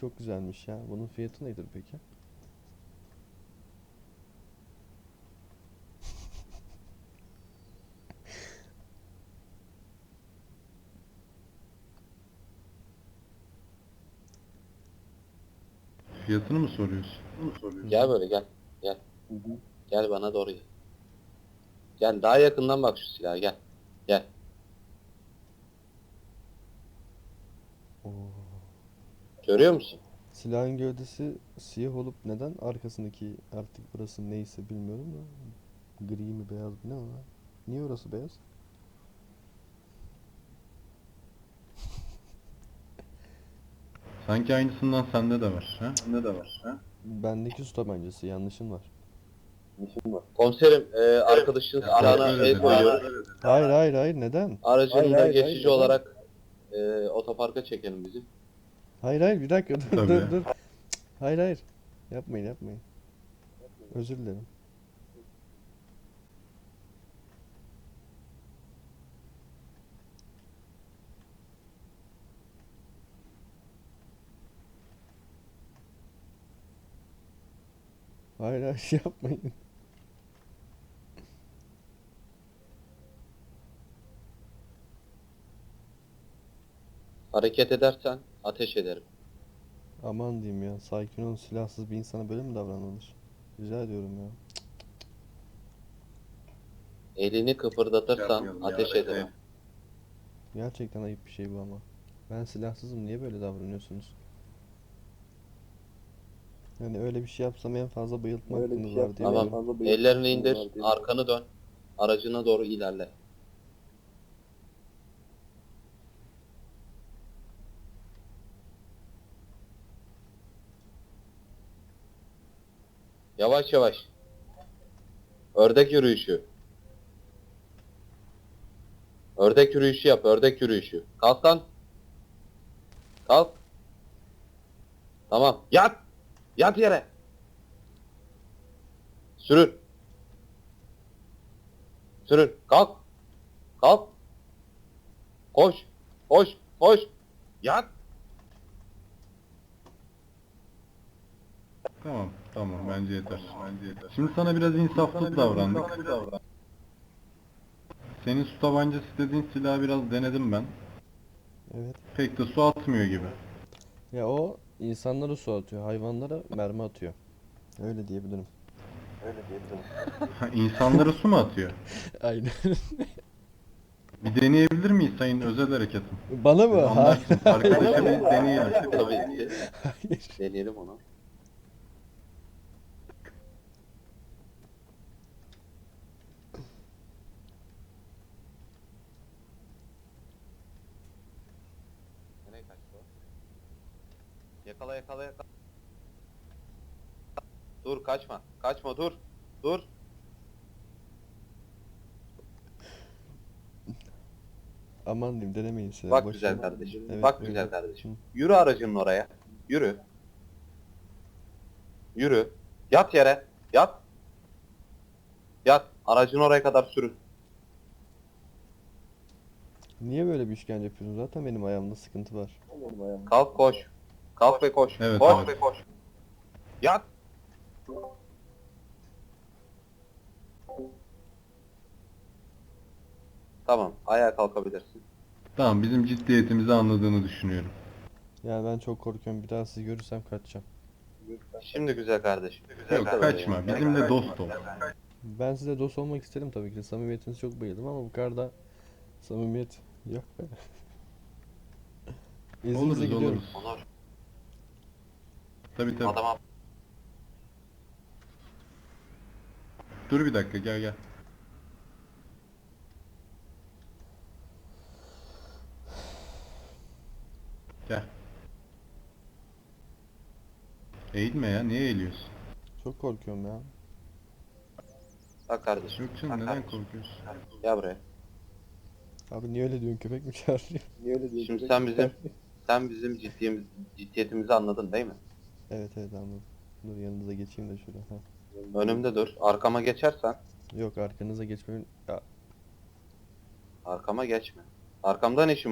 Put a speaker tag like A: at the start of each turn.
A: çok güzelmiş ya. Bunun fiyatı nedir peki?
B: Fiyatını mı soruyorsun?
A: Hı
C: Gel
A: hı.
C: böyle gel. Gel. Gel bana doğru gel. Gel daha yakından bak şu silaha gel. Gel.
A: Oo.
C: Görüyor musun?
A: Silahın gövdesi siyah olup neden arkasındaki artık burası neyse bilmiyorum da gri mi beyaz mı ne o? Niye orası beyaz?
B: Sanki aynısından sende de var. Ha?
A: Bendeki su tabancası yanlışın var.
C: Komiserim arkadaşın
B: Ya
C: silahına
B: kontrol
C: el
B: edelim.
C: koyuyoruz.
A: Hayır hayır hayır neden?
C: Aracını da geçici olarak otoparka çekelim bizi.
A: Hayır hayır bir dakika dur
B: Tabii.
A: dur dur. Hayır hayır. Yapmayın yapmayın. Özür dilerim. Hayır hayır yapmayın.
C: Hareket edersen ateş ederim.
A: Aman diyeyim ya. Sakin olun, silahsız bir insana böyle mi davranılır? Rica ediyorum ya.
C: Elini kıpırdatırsan
B: Yapmayalım ya,
C: ateş ederim.
A: Gerçekten ayıp bir şey bu ama. Ben silahsızım, niye böyle davranıyorsunuz? Yani öyle bir şey yapsam en fazla bayıltma hakkınız var diye
C: Tamam.
A: biliyorum.
C: Ellerini indir. Arkanı dön. Aracına doğru ilerle. Yavaş yavaş. Ördek yürüyüşü. Ördek yürüyüşü yap. Ördek yürüyüşü. Kalk lan. Kalk. Tamam. Yat. Yat yere. Sürün. Sürün. Kalk. Kalk. Koş. Koş. Koş. Yat.
B: Tamam. Tamam. Bence yeter. Şimdi sana biraz insaflı davrandık. Senin su tabancası dediğin silahı biraz denedim ben.
A: Evet.
B: Pek de su atmıyor gibi.
A: Ya o insanlara su atıyor, hayvanlara mermi atıyor. Öyle diyebilirim.
B: Ha, İnsanlara su mu atıyor?
A: Aynen.
B: Bir deneyebilir miyiz sayın özel harekatım?
A: Bana mı? Hayır.
B: Anlarsın. Arkadaşa bir deneyelim.
C: Tabii ki.
A: Hayır.
C: Deneyelim onu. Nereye kaçtı o? Yakala yakala yakala. Dur kaçma. Kaçma dur. Dur.
A: Aman diyeyim, denemeyin silah.
C: Bak
A: Boş
C: güzel
A: verin.
C: kardeşim.
A: Evet,
C: Bak
A: buyurun.
C: güzel kardeşim.
A: Hı.
C: Yürü aracının oraya. Yürü. Yürü. Yat yere. Yat. Yat. Aracın oraya kadar sürün.
A: Niye böyle bir işkence yapıyorsun? Zaten benim ayağımda sıkıntı var.
C: Kalk koş. Kalk ve koş.
B: Evet,
C: Koş
B: evet.
C: ve koş. Yat. Tamam. Ayağa kalkabilirsin.
B: Tamam. Bizim ciddiyetimizi anladığını düşünüyorum.
A: Yani ben çok korkuyorum. Bir daha sizi görürsem kaçacağım.
C: Şimdi güzel kardeşim. Güzel
B: Yok
C: kardeşim.
B: kaçma. Bizimle dost ol.
A: Ben size dost olmak isterim tabii ki de. Samimiyetinize çok bayıldım ama bu kadar da samimiyet yok be. İzninizle
B: Oluruz
A: gidiyorum.
B: oluruz.
C: Onur.
B: Tabii tabii.
C: Adama
B: Dur bir dakika gel gel. Gel. Eğilme ya. Niye eğiliyorsun?
A: Çok korkuyorum ya.
C: bak kardeşim.
B: Yok canım neden korkuyorsun?
C: Gel buraya.
A: Abi niye öyle diyorsun, köpek mi çağırıyor?
C: Şimdi sen bizim ciddiyetimizi anladın değil mi?
A: Evet evet anladım. Dur yanınıza geçeyim de şuraya. Ha.
C: Önümde dur. Arkama geçersen
A: Yok arkanıza geçmeyin. Ya
C: arkama geçme. Arkamdan işim